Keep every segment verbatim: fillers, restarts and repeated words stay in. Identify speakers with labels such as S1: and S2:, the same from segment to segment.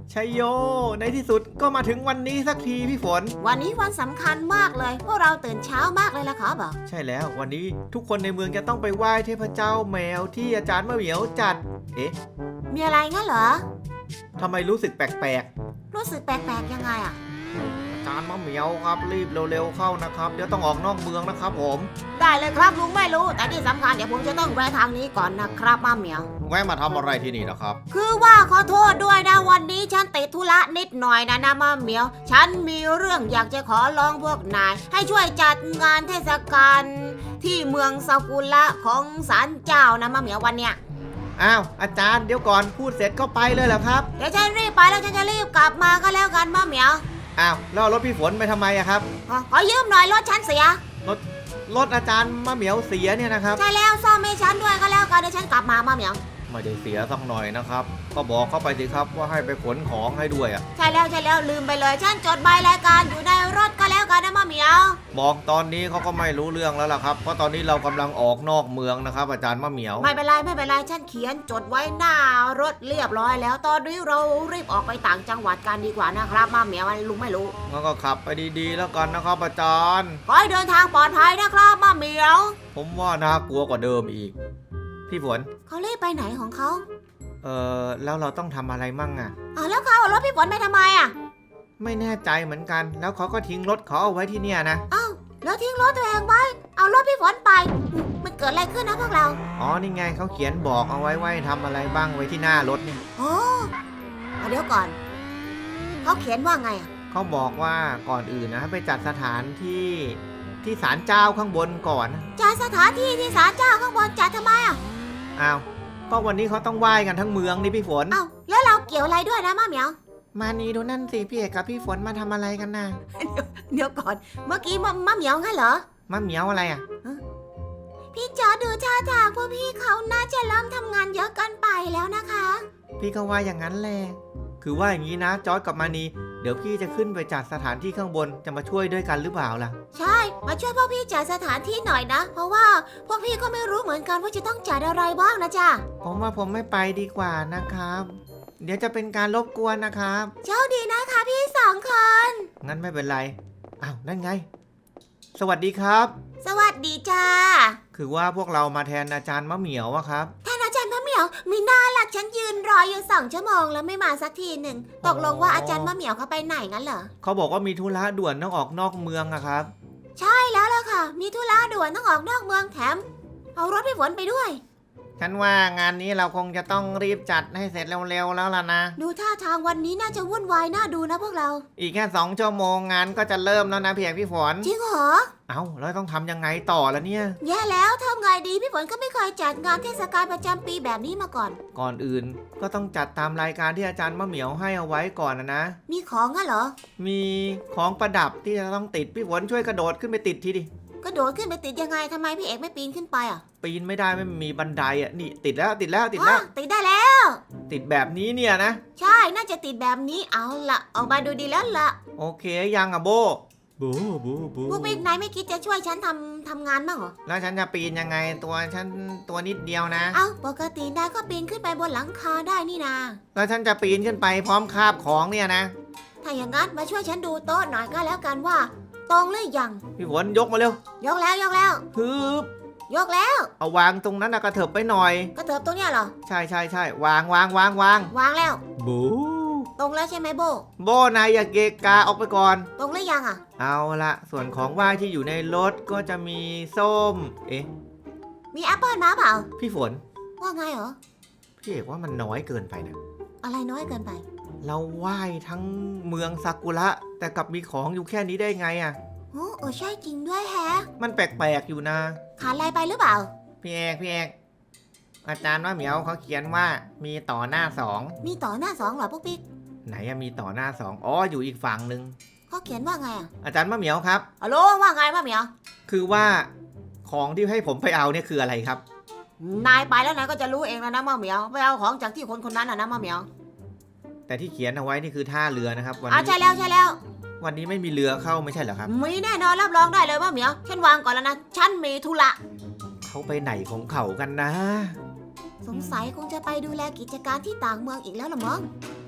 S1: ชัยโยในที่สุดก็มาถึงวันนี้สักทีพี่ฝน
S2: วันนี้วันสำคัญมากเลยพวกเราตื่นเช้ามากเลยล่ะครับบอก
S1: ใช่แล้ววันนี้ทุกคนในเมืองจะต้องไปไหว้เทพเจ้าแมวที่อาจารย์มะเหมียวจัดเอ๊ะ
S2: มีอะไรงั้นเหรอ
S1: ทำไมรู้สึกแปลก
S2: ๆรู้สึกแปลกๆยังไงอ่ะ
S1: อาจารย์มะเหมียวครับรีบเร็วๆเข้านะครับเดี๋ยวต้องออกนอกเมืองนะครับผม
S2: ได้เลยครับลุงไม่รู้แต่ที่สำคัญเดี๋ยวผมจะต้องแวะทางนี้ก่อนนะครับมะเหมียว
S1: แวะมาทำอะไรที่นี่นะครับ
S2: คือว่าขอโทษด้วยนะวันนี้ฉันติดธุระนิดหน่อยนะนะมะเหมียวฉันมีเรื่องอยากจะขอร้องพวกนายให้ช่วยจัดงานเทศกาลที่เมืองซากุระของศาลเจ้านะมะเหมียววันเนี้ย
S1: อ้าวอาจารย์เดี๋ยวก่อนพูดเสร็จก็ไปเลยเหรอครับ
S2: เดี๋ยวฉันรีบไปแล้วฉันจะรีบกลับมาก็แล้วกันมะเหมียว
S1: อ้าวแล้วรถพี่ฝนไปทำไมอะครับ
S2: ขอยืมหน่อยรถฉันเสีย
S1: รถรถอาจารย์มะเหมียวเสียเนี่ยนะครับ
S2: ใช่แล้วซ่อมให้ฉันด้วยก็แล้วกันเดี๋ยวฉันกลับมามะเหมียว
S1: ไม่ได้เสียสักหน่อยนะครับก็บอกเข้าไปสิครับว่าให้ไปขนของให้ด้วยอ่ะ
S2: ใช่แล้วใช่แล้วลืมไปเลยฉันจดใบรายการอยู่ในรถก็แล้วกันนะมะเหมียว
S1: บอกตอนนี้เขาก็ไม่รู้เรื่องแล้วล่ะครับเพราะตอนนี้เรากำลังออกนอกเมืองนะครับอาจารย์มะเหมียว
S2: ไม่เป็นไรไม่เป็นไรฉันเขียนจดไว้หน้ารถเรียบร้อยแล้วตอนนี้เรารีบออกไปต่างจังหวัดกันดีกว่านะครับมะเหมียวลุงไม่รู้
S1: งั้นก็ขับไปดีๆแล้วกันนะครับอาจารย์
S2: ขอให้เดินทางปลอดภัยนะครับมะเหมียว
S1: ผมว่าน่ากลัวกว่าเดิมอีกพี่ฝน
S2: เขารีบไปไหนของเขา
S1: เออแล้วเราต้องทำอะไรมั่งอ่ะ
S2: อ๋อแล้วเขาเอารถพี่ฝนไปทำไมอ่ะ
S1: ไม่แน่ใจเหมือนกันแล้วเขาก็ทิ้งรถเขาเอาไว้ที่เนี่ยนะ
S2: อ้าวแล้วทิ้งรถตัวเองไว้เอารถพี่ฝนไปมันเกิดอะไรขึ้นนะพวกเรา
S1: อ๋อนี่ไงเขาเขียนบอกเอาไว้ว่าทำอะไรบ้างไว้ที่หน้ารถนี่
S2: โอ้เดี๋ยวก่อนเขาเขียนว่าไงอ่ะ
S1: เขาบอกว่าก่อนอื่นนะไปจัดสถานที่ที่ศาลเจ้าข้างบนก่อน
S2: จัดสถานที่ที่ศาลเจ้าข้างบนจัดทำไมอ่ะ
S1: อ้าวก็วันนี้เขาต้องไหว้กันทั้งเมืองนี่พี่ฝน
S2: อ้าวแล้วเราเกี่ยวอะไรด้วยนะมะเหมียว
S1: มานี่ดูนั่นสิพี่เอกกับพี่ฝนมาทำอะไรกันนะ
S2: เดี๋ยวก่อนเมื่อกี้มะมะเหมียวงั้นเหรอ
S1: มะเหมียวอะไรอ่ะ
S2: พี่จอดูท่าทางพวกพี่เขาน่าจะเริ่มทำงานเยอะเกินไปแล้วนะคะ
S1: พี่ก็ว่าอย่างนั้นแหละคือว่าอย่างนี้นะจอร์จกับมานีเดี๋ยวพี่จะขึ้นไปจัดสถานที่ข้างบนจะมาช่วยด้วยกันหรือเปล่าล่ะ
S2: ใช่มาช่วยพวกพี่จัดสถานที่หน่อยนะเพราะว่าพวกพี่ก็ไม่รู้เหมือนกันว่าจะต้องจัดอะไรบ้างนะจ๊ะ
S1: ผมว่าผมไม่ไปดีกว่านะครับเดี๋ยวจะเป็นการรบกวนนะครับ
S2: โชคดีนะคะพี่สองคน
S1: งั้นไม่เป็นไรอ้าวนั่นไงสวัสดีครับ
S2: สวัสดีจ้า
S1: คือว่าพวกเรามาแทนอาจารย์มะเหมียวอะครับ
S2: แทนอาจารย์มะเหมียวมีหน้าหลักฉันยืนรออยู่สองชั่วโมงแล้วไม่มาสักทีหนึ่งตกลงว่าอาจารย์มะเหมียวเขาไปไหนงั้นเหรอ
S1: เขาบอกว่ามีธุระด่วนต้องออกนอกเมืองอะครับ
S2: ใช่แล้วล่ะค่ะมีธุระด่วนต้องออกนอกเมืองแถมเอารถพี่ฝนไปด้วย
S1: ฉันว่างานนี้เราคงจะต้องรีบจัดให้เสร็จเร็วๆแล้วล่ะนะ
S2: ดูท่าทางวันนี้น่าจะวุ่นวายน่าดูนะพวกเรา
S1: อีกแค่สองชั่วโมงงานก็จะเริ่มแล้วนะพี่เอกพี่ฝน
S2: จริงเหรอ
S1: เอ้าแล้วต้องทำยังไงต่อละเนี่ย
S2: แย่แล้วทำไงดีพี่ฝนก็ไม่เคยจัดงานเทศกาลประจำปีแบบนี้มาก่อน
S1: ก่อนอื่นก็ต้องจัดตามรายการที่อาจารย์มะเหมียวให้เอาไว้ก่อนนะนะ
S2: มีของงั้นเหรอ
S1: มีของประดับที่จะต้องติดพี่ฝนช่วยกระโดดขึ้นไปติดทีดิ
S2: กระโดดขึ้นไปติดยังไงทำไมพี่เอกไม่ปีนขึ้นไปอ่ะ
S1: ปีนไม่ได้ไม่มีบันไดอ่ะนี่ติดแล้วติดแล้วติดแล้ว
S2: ติดได้แล้ว
S1: ติดแบบนี้เนี่ยนะ
S2: ใช่น่าจะติดแบบนี้เอาละออกมาดูดีแล้วละ
S1: โอเคยังอ่ะโบโบโบโบ
S2: พวกพี่นายไม่คิดจะช่วยฉันทำทำงานบ้างเหรอ
S1: แล้วฉันจะปีนยังไงตัวฉันตัวนิดเดียวนะ
S2: เอ้าปกตินายก็ปีนขึ้นไปบนหลังคาได้นี่นา
S1: แล้วฉันจะปีนขึ้นไปพร้อมคาบของเนี่ยนะ
S2: ถ้าอย่างนั้นมาช่วยฉันดูโต๊ะหน่อยก็แล้วกันว่าตรงหรือยัง
S1: พี่ฝนยกมาเร็วย
S2: กแล้วยกแล้ว
S1: ฮึบ
S2: ยกแล้ว
S1: เอาวางตรงนั้นนะกระเถิบไปหน่อย
S2: กระเถิบตรงเนี้ยเหรอ
S1: ใช่ใช่ใช่วางวางวางวาง
S2: วางแล้ว
S1: บู
S2: ตรงแล้วใช่ไหมโบ
S1: โบนายอย่าเกะกะออกไปก่อน
S2: ตรงหรือยังอ่ะ
S1: เอาละส่วนของไหว้ที่อยู่ในรถก็จะมีส้มเอ๊ะ
S2: มีแอปเปิลมาเปล่า
S1: พี่ฝน
S2: ว่าไงเหรอ
S1: พี่เอกว่ามันน้อยเกินไปนะ
S2: อะไรน้อยเกินไป
S1: เราไหว้ทั้งเมืองซากุระแต่กลับมีของอยู่แค่นี้ได้ไงอ่ะ
S2: โอ้โอ้ใช่จริงด้วยแฮะ
S1: มันแปลกๆอยู่นะ
S2: ขาดอะไรไปหรือเปล่า
S1: พี่เอกพี่เอกอาจารย์ว่าเหมียวเขาเขียนว่ามีต่อหน้าสอง
S2: มีต่อหน้าสองเหรอพวกปิ๊ก
S1: ไหนมีต่อหน้าสองอ๋ออยู่อีกฝั่งหนึ่ง
S2: เขาเขียนว่าไงอ่ะ
S1: อาจารย์มะเหมียวครับ
S2: ฮัลโหลว่าไงมะเหมียว
S1: คือว่าของที่ให้ผมไปเอาเนี่ยคืออะไรครับ
S2: นายไปแล้วนายก็จะรู้เองแล้วนะมะเหมียวไปเอาของจากที่คนคนนั้นอ่ะนะมะเหมียว
S1: แต่ที่เขียนเอาไว้นี่คือท่าเรือนะครับ
S2: วันนี้ใช่แล้วใช่แล้ว
S1: วันนี้ไม่มีเรือเข้าไม่ใช่เหรอครับ
S2: มีแน่นอนรับรองได้เลยมะเหมียวฉันวางก่อนแล้วนะฉันมีธุระ
S1: เขาไปไหนของเขากันนะ
S2: สงสัยคงจะไปดูแลกิจการที่ต่างเมืองอีกแล้วละมั้ง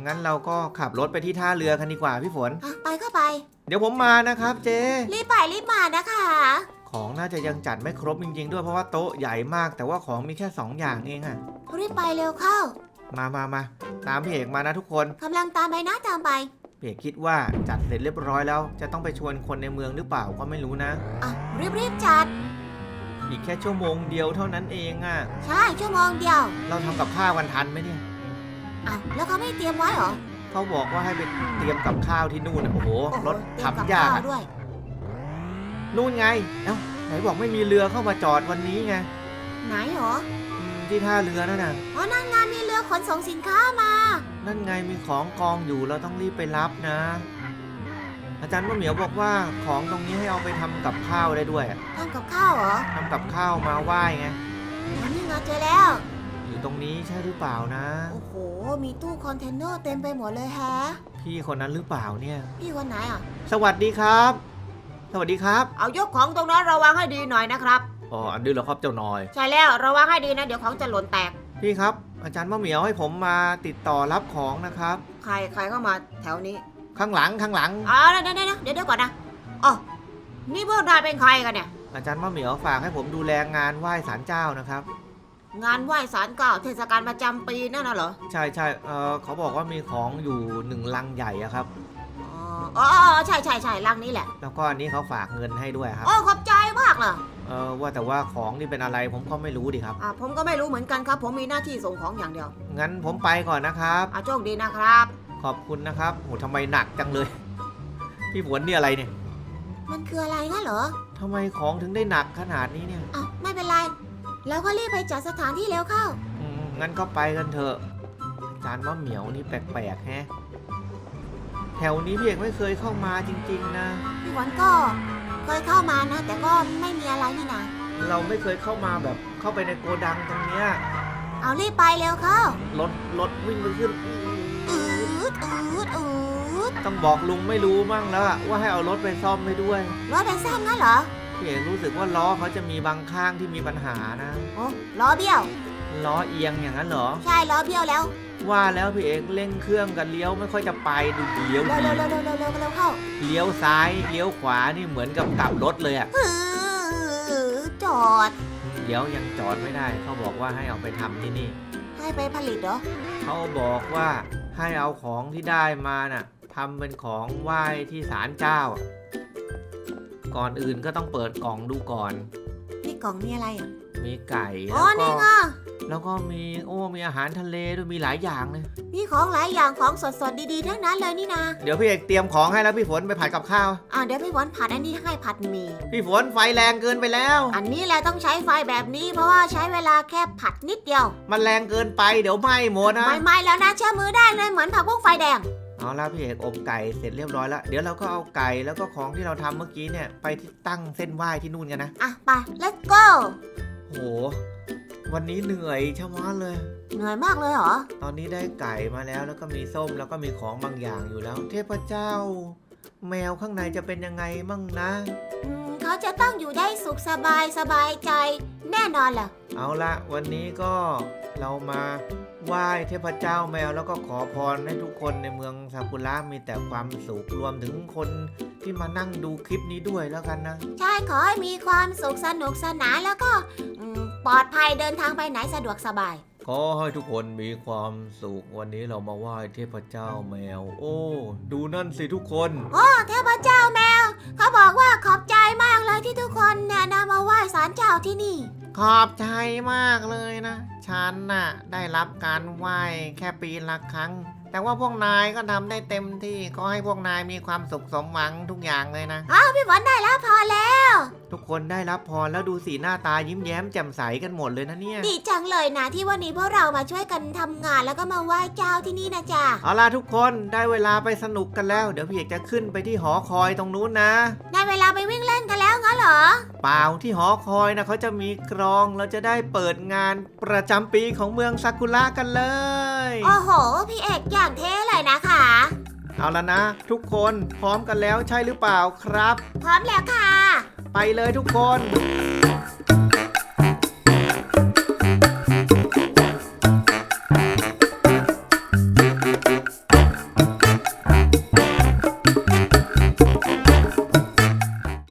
S1: งั้นเราก็ขับรถไปที่ท่าเรือกันดีกว่าพี่ฝน
S2: อ่ะไปก็ไป
S1: เดี๋ยวผมมานะครับเจ๊
S2: รีบไปรีบมานะคะ
S1: ของน่าจะยังจัดไม่ครบจริงๆด้วยเพราะว่าโต๊ะใหญ่มากแต่ว่าของมีแค่สองอย่างเองอะ
S2: รีบไปเร็วเข้า
S1: มามามาตามพี่เอกมานะทุกคน
S2: กำลังตามไปนะตามไป
S1: พี่เอกคิดว่าจัดเสร็จเรียบร้อยแล้ว จะต้องไปชวนคนในเมืองหรือเปล่าก็ไม่รู้นะ
S2: อ่ะรีบรีบจัด
S1: อีกแค่ชั่วโมงเดียวเท่านั้นเองอะ
S2: ใช่ชั่วโมงเดียว
S1: เราทำกับข้าวกันทันไหมเนี่ย
S2: อ้าวแล้วเขาไม่เตรียมไว้เหรอ
S1: เขาบอกว่าให้ไปเตรียมกับข้าวที่นู่นน่ะโอ้โห
S2: โอ้โห
S1: รถ
S2: เตรียมกับ
S1: ทำยาก
S2: ข้าว
S1: อะ
S2: ด้วย
S1: นู่นไงเอ้าไหนบอกไม่มีเรือเข้ามาจอดวันนี้ไง
S2: ไหนเหรอ
S1: อืมที่ท่าเรือนั่นน่ะ
S2: อ๋อนั่นงานมีเรือขนส่งสินค้ามา
S1: นั่นไงมีของกองอยู่เราต้องรีบไปรับนะ อาจารย์มะเหมียวบอกว่าของตรงนี้ให้เอาไปทำกับข้าวได้ด้วยอะ
S2: ทำกับข้าวเหรอ
S1: ทำกับข้าวมาไหว้ไง
S2: อ๋อนี่ไงเจอแล้ว
S1: อยู่ตรงนี้ใช่หรือเปล่านะ
S2: โอ้โห มีตู้คอนเทนเนอร์เต็มไปหมดเลยแฮะ
S1: พี่คนนั้นหรือเปล่าเนี่ย
S2: พี่คนไหนอ่ะ
S1: สวัสดีครับ สวัสดีครับ
S2: เอายกของตรงนั้นระวังให้ดีหน่อยนะครับ
S1: อ๋ออันนี้เหรอครับเจ้านอย
S2: ใช่แล้วระวังให้ดีนะเดี๋ยวของจะหล่นแตก
S1: พี่ครับ อาจารย์มะเหมียวให้ผมมาติดต่อรับของนะครับ
S2: ใครใครเข้ามาแถวนี้
S1: ข้างหลังข้างหลัง
S2: อ๋อเดี๋ยวเดี๋ยวเดี๋ยวเดี๋ยวก่อนนะอ๋อนี่พวกนายเป็นใครกันเนี่ย
S1: อาจารย์มะเหมียวฝากให้ผมดูแลงานไหว้ศาลเจ้านะครับ
S2: งานไหว้ศาลเก่าเทศกาลประจำปีนั่นน่ะเหรอ
S1: ใช่ใช่เออเขาบอกว่ามีของอยู่หนึ่งลังใหญ่อะครับ
S2: อ๋ออ๋อใช่ใช่ใช่ลังนี้แหละ
S1: แล้วก็อันนี้เขาฝากเงินให้ด้วยครับ
S2: โอ้ขอบใจมากเลย
S1: เออว่าแต่ว่าของนี่เป็นอะไรผมก็ไม่รู้ดิครับ
S2: อ่าผมก็ไม่รู้เหมือนกันครับ ผมมีหน้าที่ส่งของอย่างเดียว
S1: งั้นผมไปก่อนนะครับ
S2: อ่าโชคดีนะครับ
S1: ขอบคุณนะครับโหทำไมหนักจังเลย พี่ฝนนี่อะไรเนี่ย
S2: มันคืออะไรงั้นเหรอ
S1: ทำไมของถึงได้หนักขนาดนี้เนี่ย
S2: อ่ะไม่เป็นไร แล้วก็รีบไปจัดสถานที่เร็วเข้า
S1: อืมงั้นก็ไปกันเถอะอาจารย์มะเหมียวนี่แปลกๆแฮะ แถวนี้พี่เอกไม่เคยเข้ามาจริงๆนะ
S2: พี่หวันก็เคยเข้ามานะ แต่ก็ไม่มีอะไรนี่นะ
S1: เราไม่เคยเข้ามาแบบเข้าไปในโกดังตรงเนี้ย
S2: เอารีบไปเร็วเข้าร
S1: ถรถวิ่งไปขึ้น
S2: อืดอืดอืด
S1: ต้องบอกลุงไม่รู้มั่งแล้วอะว่าให้เอารถไปซ่อมให้ด้วย
S2: รถเป็นซ่อมงั้นเหรอ
S1: พี่เอกรู้สึกว่าล้อเขาจะมีบางข้างที่มีปัญหานะ
S2: โอ้ล้อเบี้ยว
S1: ล้อเอียงอย่างนั้นเหรอ
S2: ใช่ล้อเบี้ยวแล้ว
S1: ว่าแล้วพี่เอกเร่งเครื่องกันเลี้ยวไม่ค่อยจะไปดูเลี้ยว
S2: เร็ว
S1: ดี
S2: เร็วเร็วเร็วเร็วเร็วเร็วเข้า
S1: เลี้ยวซ้ายเลี้ยวขวานี่เหมือนกับกลับรถเลยอะ
S2: อือจอด
S1: เดี๋ยวยังจอดไม่ได้เขาบอกว่าให้เอาไปทำที่นี่
S2: ให้ไปผลิตเหรอ
S1: เขาบอกว่าให้เอาของที่ได้มาน่ะทำเป็นของไหว้ที่ศาลเจ้า ก่อนอื่นก็ต้องเปิดกล่องดูก่อน
S2: นี่กล่องนี่อะไรอ่ะ
S1: มีไก่
S2: อ๋อ
S1: แล้วก็
S2: นี่ไง
S1: แล้วก็มีโอ้มีอาหารทะเลด้วยมีหลายอย่างเลย
S2: มีของหลายอย่างของสดๆดีๆทั้งนั้นเลยนี่นะ
S1: เดี๋ยวพี่เอกเตรียมของให้แล้วพี่ฝนไปผัดกับข้าว
S2: อ่าเดี๋ยวพี่หวันผัดอันนี้ให้ผัดหมี่
S1: พี่ฝนไฟแรงเกินไปแล้ว
S2: อันนี้แหละต้องใช้ไฟแบบนี้เพราะว่าใช้เวลาแค่ผัดนิดเดียว
S1: มันแรงเกินไปเดี๋ยวไหม้หมดนะ
S2: ไม่ไม่แล้วนะเชื่อมือได้เลยเหมือนผักบุ้งไฟแดง
S1: เอาละพี่เอกอบไก่เสร็จเรียบร้อยแล้วเดี๋ยวเราก็เอาไก่แล้วก็ของที่เราทำเมื่อกี้เนี่ยไปที่ตั้งเส้นไหว้ที่นู่นกันนะ
S2: อ่ะไป let's go
S1: โหวันนี้เหนื่อยชะมัดเลย
S2: เหนื่อยมากเลยเหรอ
S1: ตอนนี้ได้ไก่มาแล้วแล้วก็มีส้มแล้วก็มีของบางอย่างอยู่แล้ว เทพเจ้า แมวข้างในจะเป็นยังไงมั่งนะ
S2: อืมเขาจะต้องอยู่ได้สุขสบายสบายใจ แน่นอนแหละ
S1: เอาละวันนี้ก็เรามาไหว้เทพเจ้าแมวแล้วก็ขอพรให้ทุกคนในเมืองซากุระมีแต่ความสุขรวมถึงคนที่มานั่งดูคลิปนี้ด้วยแล้วกันนะ
S2: ใช่ขอให้มีความสุขสนุกสนานแล้วก็อืมปลอดภัยเดินทางไปไหนสะดวกสบาย
S1: ขอให้ทุกคนมีความสุขวันนี้เรามาไหว้เทพเจ้าแมว โอ้ดูนั่นสิทุกคน
S2: โอ้เทพเจ้าแมว เขาบอกว่าขอบใจมากเลยที่ทุกคนเนี่ยนำมาไหว้ศาลเจ้าที่นี่
S1: ขอบใจมากเลยนะ ฉันน่ะได้รับการไหว้แค่ปีละครั้ง แต่ว่าพวกนายก็ทำได้เต็มที่ก็ให้พวกนายมีความสุขสมหวังทุกอย่างเลยนะ
S2: อ้าวพี่ฝนได้แล้วพอแล้ว
S1: ทุกคนได้รับพรแล้วดูสีหน้าตายิ้มแย้มแจ่มใสกันหมดเลยนะเนี่ย
S2: ดีจังเลยนะที่วันนี้พวกเรามาช่วยกันทำงานแล้วก็มาไหว้เจ้าที่นี่นะจ๊ะ
S1: เอาล่ะทุกคนได้เวลาไปสนุกกันแล้วเดี๋ยวพี่เอกจะขึ้นไปที่หอคอยตรงนู้นนะ
S2: ได้เวลาไปวิ่งเล่นกันแล้วงั้นเหรอ
S1: เปล่าที่หอคอยนะเขาจะมีกรองเราจะได้เปิดงานประจำปีของเมืองซากุระกันเลย
S2: โอ้โห พี่เอกอย่างเท่เลยนะคะ
S1: เอาละนะ ทุกคนพร้อมกันแล้วใช่หรือเปล่าครับ
S2: พร้อมแล้วค่ะ
S1: ไปเลยทุกคน